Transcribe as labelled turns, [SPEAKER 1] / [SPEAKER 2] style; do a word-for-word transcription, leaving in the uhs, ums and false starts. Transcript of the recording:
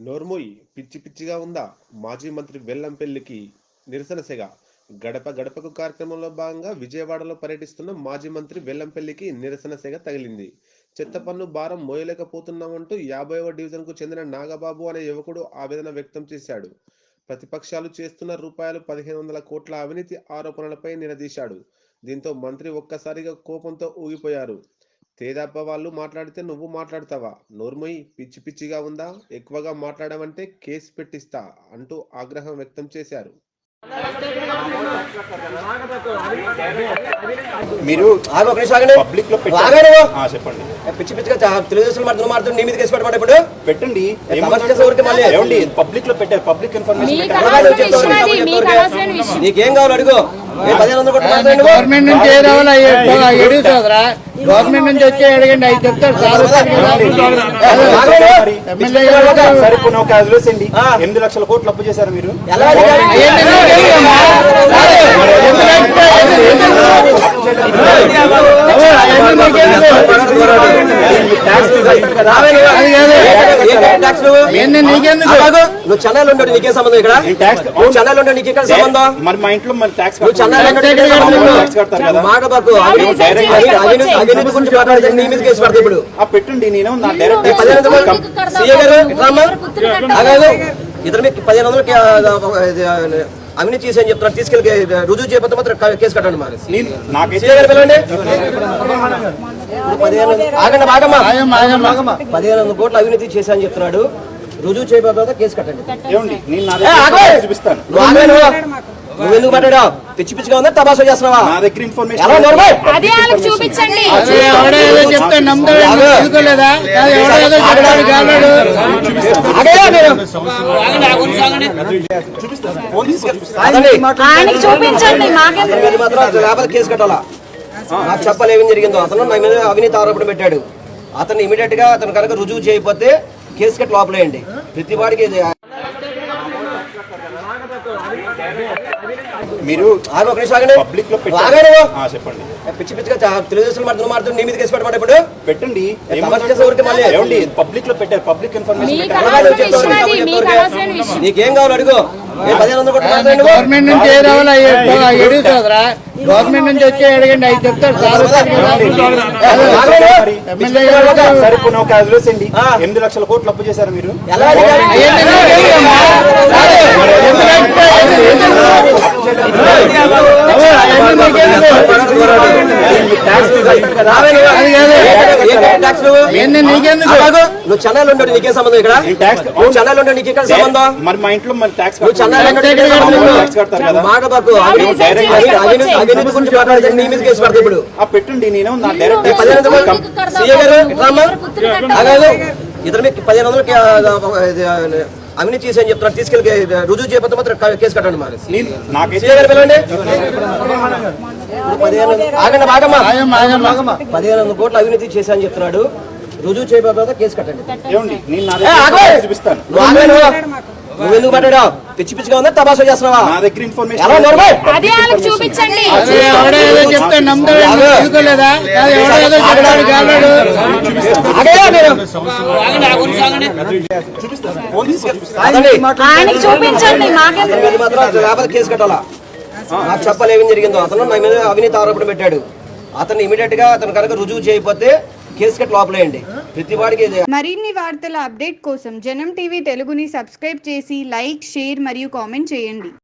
[SPEAKER 1] నోర్మూయ్ పిచ్చి పిచ్చిగా ఉందా? మాజీ మంత్రి వెల్లంపల్లికి నిరసన సెగ. గడప గడపకు కార్యక్రమంలో భాగంగా విజయవాడలో పర్యటిస్తున్న మాజీ మంత్రి వెల్లంపల్లికి నిరసన సెగ తగిలింది. చెత్త పన్ను భారం మోయలేకపోతున్నామంటూ యాభైవ డివిజన్కు చెందిన నాగబాబు అనే యువకుడు ఆవేదన వ్యక్తం చేశాడు. ప్రతిపక్షాలు చేస్తున్న రూపాయలు పదిహేను వందల కోట్ల అవినీతి ఆరోపణలపై నిలదీశాడు. దీంతో మంత్రి ఒక్కసారిగా కోపంతో ఊగిపోయారు. తేదాప వాళ్ళు మాట్లాడితే నువ్వు మాట్లాడతావా? నోర్మొయ్ పిచ్చి పిచ్చిగా ఉందా? ఎక్కువగా మాట్లాడమంటే కేసు పెట్టిస్తా అంటూ ఆగ్రహం వ్యక్తం చేశారు.
[SPEAKER 2] మీరు పబ్లిక్ లో చెప్పండి. పిచ్చి పిచ్చిగా తెలుగుదేశం మాట్లాడుతూ మాట్లాడుతూ నీ మీద కేసు పెట్టమంటే ఇప్పుడు పెట్టండి. పబ్లిక్ లో పెట్టారు. పబ్లిక్ ఇన్ఫర్మేషన్ నీకేం కావాలి అడుగు.
[SPEAKER 3] గవర్నమెంట్ నుంచి ఏ రావాలా ఎడుగు సోదరా, గవర్నమెంట్ నుంచి వచ్చి అడగండి. అవి చెప్తారు
[SPEAKER 2] వదిలేసండి. ఎనిమిది లక్షల కోట్లు అప్పు చేశారు మీరు. నువ్వు చెన్నైలో ఉంటాడు, నీకే సంబంధం ఇక్కడ. చెన్నైలో ఉంటాడు, నీకే సంబంధం. మరి మా ఇంట్లో మరి ట్యాక్స్ మాటబాకు గురించి మాట్లాడితే నీ మీద కేసు పడతాయి. ఇప్పుడు పెట్టండి. నేను నా డైరెక్ట్ ఇతర మీకు పదిహేను వందలు అవినీతి చేసి అని చెప్తున్నారు. తీసుకెళ్ళి రుజువు చేయకపోతే మాత్రం కేసు కట్టండి. మరి పిలవండి. ఆగండి బాగమ్మా. పదిహేను వందల కోట్ల అవినీతి చేశా అని చెప్తున్నాడు. రుజువు చేయకపోతే కేసు కట్టండి. చూపిస్తాను. నువ్వు ఎందుకు మాట్లాడా? పిచ్చి పిచ్చిగా ఉందా? తమాషా చేస్తున్నావా? నా దగ్గర ఇన్ఫర్మేషన్
[SPEAKER 3] చూపించండి.
[SPEAKER 2] కేసు కట్టాలా? నాకు చెప్పాలి ఏమేమి జరిగిందో. అతను నా మీద అవినీతి ఆరోపణ పెట్టాడు. అతను ఇమీడియట్ గా అతను కనుక రుజువు చేయకపోతే కేసు కట్టి లోపలేయండి. ప్రతి వాడికి మీరు పబ్లిక్ లో చెప్పండి. పిచ్చి పిచ్చిగా తెలుగుదేశం మాట్లాడుతూ మాట్లాడుతూ నీ మీద కేసు పెట్టమంటే ఇప్పుడు పెట్టండి. పబ్లిక్ లో పెట్టారు. పబ్లిక్ ఇన్ఫర్మేషన్ నీకేం కావాలి అడుగు.
[SPEAKER 3] గవర్నమెంట్ నుంచి ఏ రావాలా ఎడుగు సోదరా, గవర్నమెంట్ నుంచి వచ్చి అడగండి. అవి చెప్తారు
[SPEAKER 2] వదిలేసండి. ఎనిమిది లక్షల కోట్లు అప్పు చేశారు మీరు. నువ్వు చెన్నైలో ఉంటాడు, నీకే సంబంధం ఇక్కడ. చెన్నైలో ఉంటాడు, నీకే సంబంధం. మరి మా ఇంట్లో మరి ట్యాక్స్ మాటబాకు గురించి మాట్లాడితే నీ మీద కేసు పడతాయి. ఇప్పుడు పెట్టండి. నేను నా డైరెక్ట్ ఇతర మీకు పదిహేను వందలు అవినీతి చేసి అని చెప్తున్నారు. తీసుకెళ్ళి రుజువు చేయకపోతే మాత్రం కేసు కట్టండి. మరి పిలవండి. ఆగండి బాగమ్మా. పదిహేను వందల కోట్ల అవినీతి చేశా అని చెప్తున్నాడు. రుజువు చేయకపోతే కేసు కట్టండి. చూపిస్తాను. నువ్వు ఎందుకు మాట్లాడా? పిచ్చి పిచ్చిగా ఉందా? తమాషా చేస్తున్నావా? నా దగ్గర ఇన్ఫర్మేషన్
[SPEAKER 3] చూపించండి.
[SPEAKER 2] కేసు కట్టాలా? నాకు చెప్పాలి ఏమేమి జరిగిందో. అతను నా మీద అవినీతి ఆరోపణ పెట్టాడు. అతను ఇమీడియట్ గా అతను కనుక రుజువు చేయకపోతే కేసు కట్టి లోపలేయండి. ప్రతి వాడికి
[SPEAKER 4] మరిన్ని వార్తల అప్డేట్ కోసం జనం టీవీ తెలుగుని సబ్స్క్రైబ్ చేసి లైక్, షేర్ మరియు కామెంట్ చేయండి.